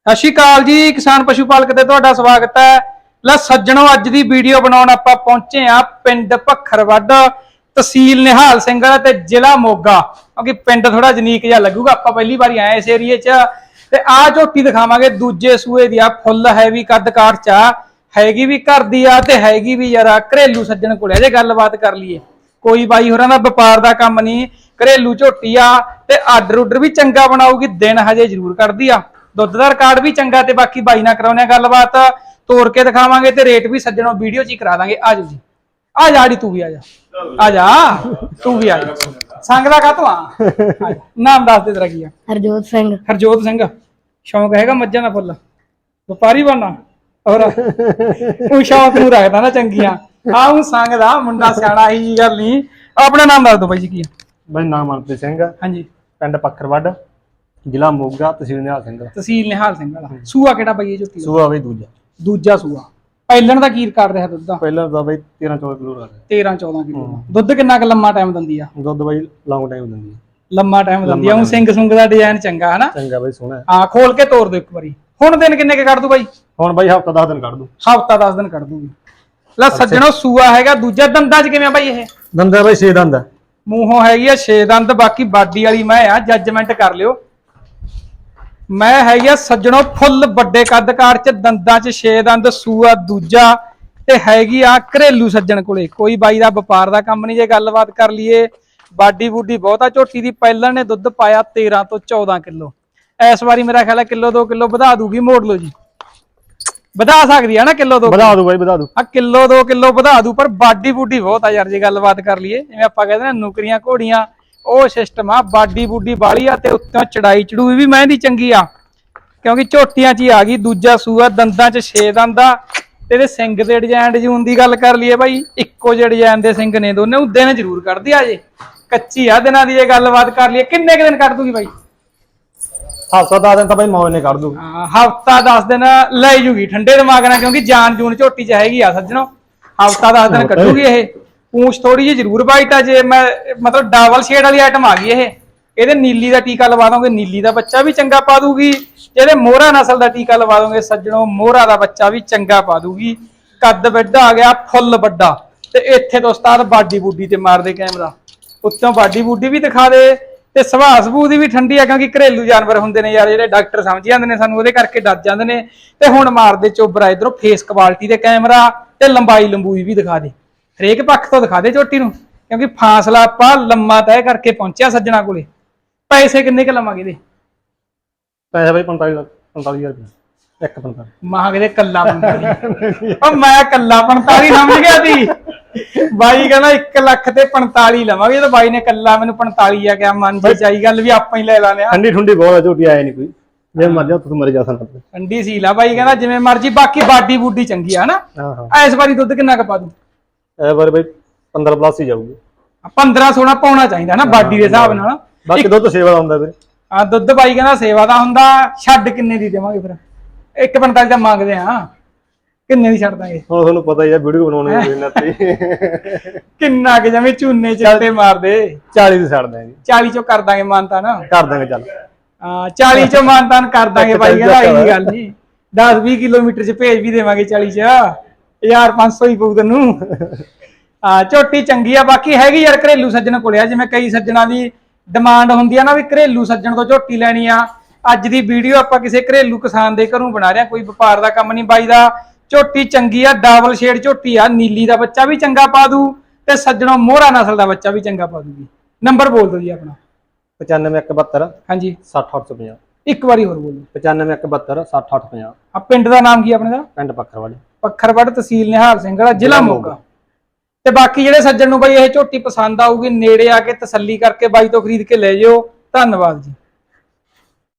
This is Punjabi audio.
ਸਤਿ ਸ਼੍ਰੀ ਅਕਾਲ ਜੀ। ਕਿਸਾਨ ਪਸ਼ੂ ਪਾਲਕ ਤੇ ਤੁਹਾਡਾ ਸਵਾਗਤ ਹੈ। ਲੈ ਸੱਜਣੋ, ਅੱਜ ਦੀ ਵੀਡੀਓ ਬਣਾਉਣ ਆਪਾਂ ਪਹੁੰਚੇ ਆ ਪਿੰਡ ਭੱਖਰਵੱਡ, ਤਹਿਸੀਲ ਨਿਹਾਲ ਸਿੰਘ ਤੇ ਜ਼ਿਲ੍ਹਾ ਮੋਗਾ। ਕਿਉਂਕਿ ਪਿੰਡ ਥੋੜਾ ਯੂਨੀਕ ਜਿਹਾ ਲੱਗੂਗਾ, ਆਪਾਂ ਪਹਿਲੀ ਵਾਰੀ ਆਏ ਇਸ ਏਰੀਏ 'ਚ। ਤੇ ਆਹ ਝੋਟੀ ਦਿਖਾਵਾਂਗੇ ਦੂਜੇ ਸੂਏ ਦੀ ਆ, ਫੁੱਲ ਹੈਵੀ ਕੱਦ ਕਾਰ 'ਚ ਆ, ਹੈਗੀ ਵੀ ਘਰ ਦੀ ਆ ਤੇ ਹੈਗੀ ਵੀ ਯਾਰ ਘਰੇਲੂ ਸੱਜਣ ਕੋਲ। ਜੇ ਗੱਲਬਾਤ ਕਰ ਲਈਏ, ਕੋਈ ਬਾਈ ਹੋਰਾਂ ਦਾ ਵਪਾਰ ਦਾ ਕੰਮ ਨਹੀਂ, ਘਰੇਲੂ ਝੋਟੀ ਆ ਤੇ ਆਰਡਰ ਉਡਰ ਵੀ ਚੰਗਾ ਬਣਾਉਗੀ। ਦਿਨ ਹਜੇ ਜ਼ਰੂਰ ਕੱਢਦੀ ਆ, ਦੁੱਧ ਦਾ ਰਿਕਾਰਡ ਵੀ ਚੰਗਾ। ਤੇ ਬਾਕੀ ਬਾਈ ਨਾਲ ਕਰਾਉਣੇ ਗੱਲਬਾਤ, ਤੋੜ ਕੇ ਦਿਖਾਵਾਂਗੇ ਤੇ ਰੇਟ ਵੀ ਸੱਜਣੋਂ ਵੀਡੀਓ 'ਚ ਹੀ ਕਰਾ ਦਾਂਗੇ। ਆਜੋ ਜੀ, ਆ ਜਾ ੜੀ, ਤੂੰ ਵੀ ਆ ਜਾ, ਆ ਜਾ ਤੂੰ ਵੀ ਆ ਜਾ। ਸੰਗ ਦਾ ਕਾਹਤੋਂ ਆ? ਨਾਮ ਦੱਸ ਦੇ ਤੇਰਾ ਕੀ ਆ? ਹਰਜੋਤ ਸਿੰਘ। ਹਰਜੋਤ ਸਿੰਘ। ਸ਼ੌਂਕ ਹੈਗਾ ਮੱਝਾਂ ਦਾ ਫੁੱਲ? ਵਪਾਰੀ ਬਣਨਾ? ਹੋਰ ਉਹ ਸ਼ੌਂਕ ਨੂੰ ਰੱਖਦਾ ਨਾ ਚੰਗੀਆਂ। ਆਹ ਸੰਗ ਦਾ ਮੁੰਡਾ ਸਿਆਣਾ ਹੀ ਗੱਲ ਨਹੀਂ। ਆਪਣਾ ਨਾਮ ਦੱਸ ਦੋ ਬਾਈ ਜੀ, ਕੀ ਆ? ਬਾਈ ਨਾਮ ਮਨਪ੍ਰੀਤ ਸਿੰਘ। ਹਾਂਜੀ। ਪਿੰਡ ਪੱਖਰਵੱਡ, ਜ਼ਿਲ੍ਹਾ ਮੋਗਾ, ਤਹਿਸੀਲ ਨਿਹਾਲ ਸਿੰਘ। ਤਹਿਸੀਲ ਨਿਹਾਲ ਸਿੰਘ ਵਾਲਾ। ਸੂਆ ਕਿਹੜਾ ਬਾਈ ਇਹ ਝੋਟੀ ਦਾ? ਸੂਆ ਬਈ ਦੂਜਾ। ਦੂਜਾ ਸੂਆ। ਪਹਿਲਣ ਦਾ ਕੀ ਰਿਕਾਰਡ ਰਿਹਾ ਦੁੱਧ ਦਾ? ਪਹਿਲਾਂ ਤਾਂ ਬਈ 13-14 ਕਿਲੋ ਰੱਖ। 13-14 ਕਿਲੋ। ਦੁੱਧ ਕਿੰਨਾ ਕੁ ਲੰਮਾ ਟਾਈਮ ਦਿੰਦੀ ਆ? ਦੁੱਧ ਬਈ ਲੌਂਗ ਟਾਈਮ ਦਿੰਦੀ ਹੈ। ਲੰਮਾ ਟਾਈਮ ਦਿੰਦੀ ਆ। ਉਹ ਸਿੰਘ ਸੁੰਗ ਦਾ ਡਿਜ਼ਾਈਨ ਚੰਗਾ ਹਨਾ? ਚੰਗਾ ਬਈ, ਸੋਹਣਾ। ਹਾਂ, ਖੋਲ ਕੇ ਤੋੜ ਦਿਓ ਇੱਕ ਵਾਰੀ। ਹੁਣ ਦਿਨ ਕਿੰਨੇ ਕੇ ਕੱਢ ਦੂ ਬਾਈ? ਹੁਣ ਬਾਈ ਹਫਤਾ 10 ਦਿਨ ਕੱਢ ਦੂ। ਹਫਤਾ 10 ਦਿਨ ਕੱਢ ਦੂਗੀ। ਲੈ ਸੱਜਣੋ, ਸੂਆ ਹੈਗਾ ਦੂਜਾ। ਦੰਦਾਂ 'ਚ ਕਿਵੇਂ ਆ ਬਾਈ ਇਹ? ਦੰਦਾ ਬਈ 6 ਦੰਦ। ਮੂੰਹੋਂ ਹੈਗੀ ਆ 6 ਦੰਦ। ਬਾਕੀ ਬਾਡੀ ਵਾਲੀ ਮੈਂ ਆ, ਜੱਜਮੈਂਟ ਕਰ ਲਿਓ। ਮੈਂ ਹੈਗੀ ਆ ਸੱਜਣੋ ਫੁੱਲ ਵੱਡੇ ਕੱਦਕਾਰ 'ਚ, ਦੰਦਾਂ 'ਚ 6 ਦੰਦ। ਸੂਆ ਦੂਜਾ ਤੇ ਹੈਗੀ ਆ ਘਰੇਲੂ ਸੱਜਣ ਕੋਲੇ। ਕੋਈ ਬਾਈ ਦਾ ਵਪਾਰ ਦਾ ਕੰਮ ਨਹੀਂ। ਜੇ ਗੱਲਬਾਤ ਕਰ ਲਈਏ, ਬਾਡੀ ਬੂਡੀ ਬਹੁਤਾ ਝੋਟੀ ਦੀ। ਪਹਿਲਾਂ ਨੇ ਦੁੱਧ ਪਾਇਆ 13 ਤੋਂ 14 ਕਿਲੋ। ਇਸ ਵਾਰੀ ਮੇਰਾ ਖਿਆਲ ਹੈ ਕਿਲੋ 2 ਕਿਲੋ ਵਧਾ ਦੂਗੀ। ਮੋੜ ਲਓ ਜੀ, ਵਧਾ ਸਕਦੀ ਹੈ ਨਾ ਕਿਲੋ 2? ਵਧਾ ਦੂ ਬਾਈ, ਵਧਾ ਦੂ। ਆ ਕਿਲੋ 2 ਕਿਲੋ ਵਧਾ ਦੂ। ਪਰ ਬਾਡੀ ਬੂਡੀ ਬਹੁਤ ਆ ਯਾਰ। ਜੇ ਗੱਲਬਾਤ ਕਰ ਲਈਏ, ਜਿਵੇਂ ਆਪਾਂ ਕਹਿੰਦੇ ਨਾ ਨੁਕਰੀਆਂ ਘੋੜੀਆਂ, ਉਹ ਸਿਸਟਮ ਆ। ਬਾਡੀ ਬੂਡੀ ਬਾਲੀ ਆ ਤੇ ਉੱਤੋਂ ਚੜਾਈ ਚੜੂਈ ਵੀ ਮਹਿੰਦੀ ਚੰਗੀ ਆ, ਕਿਉਂਕਿ ਝੋਟੀਆਂ 'ਚ ਹੀ ਆ ਗਈ। ਦੂਜਾ ਸੂਆ, ਦੰਦਾਂ 'ਚ 6 ਦੰਦ ਆ। ਤੇ ਇਹਦੇ ਸਿੰਘ ਦੇ ਡਿਜ਼ਾਈਨ ਜੂਨ ਦੀ ਗੱਲ ਕਰ ਲਈਏ ਬਾਈ, ਇੱਕੋ ਜਿਹੇ ਡਿਜ਼ਾਈਨ ਦੇ ਸਿੰਘ ਨੇ ਦੋਨੇ। ਉਹ ਦਿਨ ਜ਼ਰੂਰ ਕੱਢਦੀ ਆ, ਜੇ ਕੱਚੀ ਆ ਦਿਨਾਂ ਦੀ। ਜੇ ਗੱਲਬਾਤ ਕਰ ਲਈਏ, ਕਿੰਨੇ ਕੁ ਦਿਨ ਕੱਢ ਦੂਗੀ ਬਾਈ? ਹਫਤਾ 10 ਦਿਨ ਤਾਂ ਬਾਈ ਮੌਜ ਨੇ ਕੱਢ ਦੂ। ਹਾਂ, ਹਫਤਾ 10 ਦਿਨ ਲੈ ਜੂਗੀ ਠੰਡੇ ਦਿਮਾਗ ਨਾਲ, ਕਿਉਂਕਿ ਜਾਨ ਜੂਨ ਝੋਟੀ 'ਚ ਹੈਗੀ ਆ ਸੱਜਣੋ। ਹਫਤਾ 10 ਦਿਨ ਕੱਢੂਗੀ ਇਹ। ਪੂੰਛ ਥੋੜੀ ਜਿਹੀ ਜ਼ਰੂਰ ਵਾਈਟ ਆ। ਜੇ ਮੈਂ ਮਤਲਬ ਡਬਲ ਸ਼ੇਡ ਵਾਲੀ ਆਈਟਮ ਆ ਗਈ ਇਹ। ਇਹਦੇ ਨੀਲੀ ਦਾ ਟੀਕਾ ਲਵਾ ਦੋਗੇ, ਨੀਲੀ ਦਾ ਬੱਚਾ ਵੀ ਚੰਗਾ ਪਾ ਦੂਗੀ। ਜਿਹੜੇ ਮੋਹਰਾ ਨਸਲ ਦਾ ਟੀਕਾ ਲਵਾ ਦੋਗੇ ਸੱਜਣੋ, ਮੋਹਰਾ ਦਾ ਬੱਚਾ ਵੀ ਚੰਗਾ ਪਾ ਦੂਗੀ। ਕੱਦ ਵੱਡਾ ਆ ਗਿਆ, ਫੁੱਲ ਵੱਡਾ। ਤੇ ਇੱਥੇ ਤੋਂ ਉਸਤਾਦ ਬਾਡੀ ਬੂਡੀ ਤੇ ਮਾਰਦੇ ਕੈਮਰਾ, ਉੱਤੋਂ ਬਾਡੀ ਬੂਡੀ ਵੀ ਦਿਖਾ ਦੇ। ਤੇ ਸੁਭਾਅ ਸਬੂਹ ਦੀ ਵੀ ਠੰਡੀ ਆ, ਕਿਉਂਕਿ ਘਰੇਲੂ ਜਾਨਵਰ ਹੁੰਦੇ ਨੇ ਯਾਰ, ਜਿਹੜੇ ਡਾਕਟਰ ਸਮਝ ਜਾਂਦੇ ਨੇ ਸਾਨੂੰ, ਉਹਦੇ ਕਰਕੇ ਡਰ ਜਾਂਦੇ ਨੇ। ਤੇ ਹੁਣ ਮਾਰਦੇ ਚੋਬਰਾ ਇਧਰੋਂ ਫੇਸ ਕੁਆਲਿਟੀ ਦੇ ਕੈਮਰਾ ਤੇ ਲੰਬਾਈ ਲੰਬੂਈ ਵੀ ਦਿਖਾ ਦੇ। ਹਰੇਕ ਪੱਖ ਤੋਂ ਦਿਖਾ ਦੇ ਝੋਟੀ ਨੂੰ, ਕਿਉਂਕਿ ਫਾਸਲਾ ਆਪਾਂ ਲੰਮਾ ਤੈਅ ਕਰਕੇ ਪਹੁੰਚਿਆ ਸੱਜਣਾ ਕੋਲੇ। ਪੈਸੇ ਕਿੰਨੇ ਕੁ ਲਵਾਂਗੇ ਇਹਦੇ? ਪੈਸੇ ਬਾਈ 45,000 ਰੁਪਏ। 1.45 ਮਾਂ ਕਿਤੇ ਕੱਲਾ 45। ਉਹ ਮੈਂ ਕੱਲਾ 45 ਸਮਝ ਗਿਆ ਸੀ। ਬਾਈ ਕਹਿੰਦਾ 1 ਲੱਖ ਤੇ 45 ਲਵਾਂਗੇ। ਤੇ ਬਾਈ ਨੇ ਕੱਲਾ ਮੈਨੂੰ 45 ਆ ਗਿਆ। ਮਨ ਚ ਚਾਈ ਗੱਲ ਵੀ ਆਪਾਂ ਹੀ ਲੈ ਲਾਂਗੇ। ਠੰਡੀ ਠੁੰਡੀ ਬਹੁਤ ਆ, ਝੋਟੀ ਆਏ ਨਹੀਂ ਕੋਈ। ਜੇ ਮਰਜ਼ੀ ਉੱਥੇ ਮਰ ਜਾ ਸਕਦਾ। ਠੰਡੀ ਸੀ ਲਾ ਬਾਈ ਕਹਿੰਦਾ, ਜਿਵੇਂ ਮਰਜ਼ੀ। ਬਾਕੀ ਬਾਡੀ ਬੂਡੀ ਚੰਗੀ ਆ ਹਨਾ? ਹਾਂ ਹਾਂ। ਇਸ ਵਾਰੀ ਦੁੱਧ ਕਿੰਨਾ ਕੁ ਪਾ ਦੂ? ਇਹ ਵਾਰ ਬਾਈ 15 ਪਲੱਸ ਹੀ ਜਾਊਗੀ। 15-16 ਪਾਉਣਾ ਚਾਹੀਦਾ ਨਾ ਬਾਡੀ ਦੇ ਹਿਸਾਬ ਨਾਲ। ਬਾਕੀ ਦੁੱਧ ਸੇਵਾ ਦਾ ਹੁੰਦਾ ਵੀਰੇ। ਹਾਂ, ਦੁੱਧ ਬਾਈ ਕਹਿੰਦਾ ਸੇਵਾ ਦਾ ਹੁੰਦਾ। ਛੱਡ ਕਿੰਨੇ ਦੀ ਦੇਵਾਂਗੇ ਫਿਰ? 1.45 ਦਾ ਮੰਗਦੇ ਆ, ਕਿੰਨੇ ਦੀ ਛੱਡ ਦਾਂਗੇ? ਹੁਣ ਤੁਹਾਨੂੰ ਪਤਾ ਹੀ ਆ, ਵੀਡੀਓ ਬਣਾਉਣੀ ਹੈ ਤੇ ਕਿੰਨਾ ਕਿ ਜਿਵੇਂ ਝੂਨੇ ਚੱਲਦੇ ਮਾਰਦੇ। 40 ਦੀ ਛੱਡ ਦਾਂਗੇ। 40 ਚੋਂ ਕਰ ਦਾਂਗੇ ਮਾਨਤਾ ਨਾ? ਕਰ ਦਾਂਗੇ ਚੱਲ। ਹਾਂ, 40 ਚੋਂ ਮਾਨਤਾਨ ਕਰ ਦਾਂਗੇ ਬਾਈ ਕਹਿੰਦਾ। ਇਹੀ ਗੱਲ ਨਹੀਂ, 10-20 ਕਿਲੋਮੀਟਰ ਚ ਭੇਜ ਵੀ ਦੇਵਾਂਗੇ 40 ਚ। 1500 ਹੀ ਪਊ ਤੈਨੂੰ। ਹਾਂ, ਝੋਟੀ ਚੰਗੀ ਆ। ਬਾਕੀ ਹੈਗੀ ਯਾਰ ਘਰੇਲੂ ਸੱਜਣ ਕੋਲੇ ਆ। ਜਿਵੇਂ ਕਈ ਸੱਜਣਾ ਦੀ ਡਿਮਾਂਡ ਹੁੰਦੀ ਆ ਨਾ ਵੀ ਘਰੇਲੂ ਸੱਜਣ ਤੋਂ ਝੋਟੀ ਲੈਣੀ ਆ। ਅੱਜ ਦੀ ਵੀਡੀਓ ਆਪਾਂ ਕਿਸੇ ਘਰੇਲੂ ਕਿਸਾਨ ਦੇ ਘਰੋਂ ਬਣਾ ਰਹੇ, ਕੋਈ ਵਪਾਰ ਦਾ ਕੰਮ ਨਹੀਂ। ਬਾਈ ਦਾ ਝੋਟੀ ਚੰਗੀ ਆ, ਡਬਲ ਸ਼ੇਡ ਝੋਟੀ ਆ। ਨੀਲੀ ਦਾ ਬੱਚਾ ਵੀ ਚੰਗਾ ਪਾ ਦੂ ਤੇ ਸੱਜਣੋਂ ਮੋਹਰਾ ਨਸਲ ਦਾ ਬੱਚਾ ਵੀ ਚੰਗਾ ਪਾ ਦੂਗੀ। ਨੰਬਰ ਬੋਲ ਦਿਓ ਜੀ ਆਪਣਾ। 95-172 ਹਾਂਜੀ। 60-850। ਇੱਕ ਵਾਰੀ ਹੋਰ ਬੋਲੋ। 95-172 60-850। ਆ ਪਿੰਡ ਦਾ ਨਾਮ ਕੀ ਆਪਣੇ ਦਾ? ਪਿੰਡ ਪੱਖਰਵੱਡ। ਪੱਖਰਵੱਡ, ਤਹਿਸੀਲ ਨਿਹਾਲ ਸਿੰਘ ਵਾਲਾ, ਜ਼ਿਲ੍ਹਾ ਮੋਗਾ। ਤੇ ਬਾਕੀ ਜਿਹੜੇ ਸੱਜਣ ਨੂੰ ਬਾਈ ਇਹ ਝੋਟੀ ਪਸੰਦ ਆਊਗੀ, ਨੇੜੇ ਆ ਕੇ ਤਸੱਲੀ ਕਰਕੇ ਬਾਈ ਤੋਂ ਖਰੀਦ ਕੇ ਲੈ ਜਿਓ। ਧੰਨਵਾਦ ਜੀ।